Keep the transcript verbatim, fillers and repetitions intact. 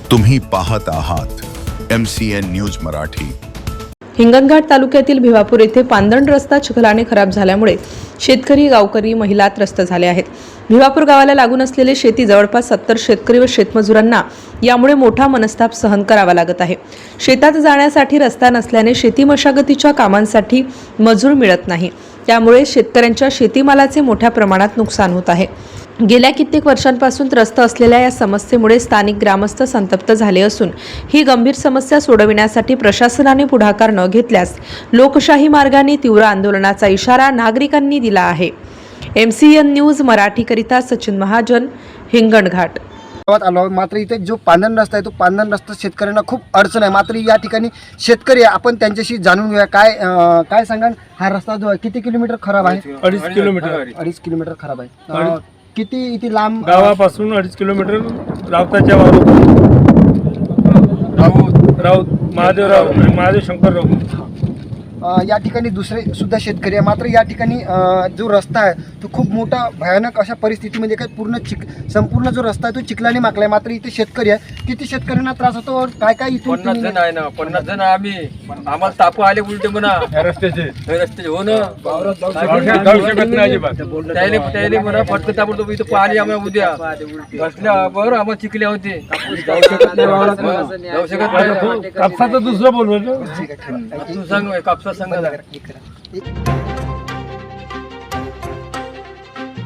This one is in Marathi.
तुम्ही पाहत आहात M C N news Marathi. Hinganghat तालुक्यातील भिवापूर येथे पांदण रस्ता चिखलाने खराब झाल्यामुळे शेतकरी, गावकरी, महिला त्रस्त झाले आहेत। भिवापूर गावाला लागून असलेले शेती जवळपास सत्तर शेतकरी व शेतमजुरांना यामुळे मोठा मनस्ताप सहन करावा लागत आहे। शेतात जाण्यासाठी रस्ता नसल्याने शेती मशागतीच्या कामांसाठी मजूर मिळत नाही, त्यामुळे शेतकऱ्यांच्या शेतीमालाचे मोठ्या प्रमाणात नुकसान होत आहे। गेल्या कित्येक वर्षांपासून त्रस्त असलेल्या या समस्येमुळे स्थानिक ग्रामस्थ संतप्त झाले असून ही गंभीर समस्या सोडविण्यासाठी प्रशासनाने पुढाकार न घेतल्यास लोकशाही मार्गाने तीव्र आंदोलनाचा इशारा नागरिकांनी दिला आहे। एम सी एन न्यूज मराठीकरिता सचिन महाजन, हिंगणघाट। आलो मात्र इथे जो पांदण रस्ता आहे तो पांदण रस्ता शेतकऱ्यांना खूप अडचण आहे। मात्र या ठिकाणी शेतकरी आपण त्यांच्याशी जाणून घेऊया काय काय सांगाल। हा रस्ता जो किती किलोमीटर खराब आहे? अडीच किलोमीटर अडीच किलोमीटर खराब आहे। किती इथे लांब गावापासून अडीच किलोमीटर रावताच्या वारू राऊत राऊत महादेवराव आणि महादेव शंकरराव या ठिकाणी दुसरे सुद्धा शेतकरी आहे। मात्र या ठिकाणी जो रस्ता आहे तो खूप मोठा भयानक अशा परिस्थितीमध्ये काय पूर्ण चिक संपूर्ण जो रस्ता आहे तो चिखलाने माखला आहे। मात्र इथे शेतकरी आहे, किती शेतकऱ्यांना त्रास होतो? काय काय इथून पन्नास जण आहे ना, पन्नास जण आम्ही आम्हाला ताप आले उलटे म्हणा रस्त्याचे रस्ते हो ना जाऊ शकत नाही अजिबात। त्याले त्याले म्हणा फटकं ताबडतोब इथं पाणी आम्हाला उद्या बसल्या बरं आम्हाला चिकले होते जाऊ शकत नाही। कापसाचं दुसरं बोलवलं तू सांग कापसा सांगा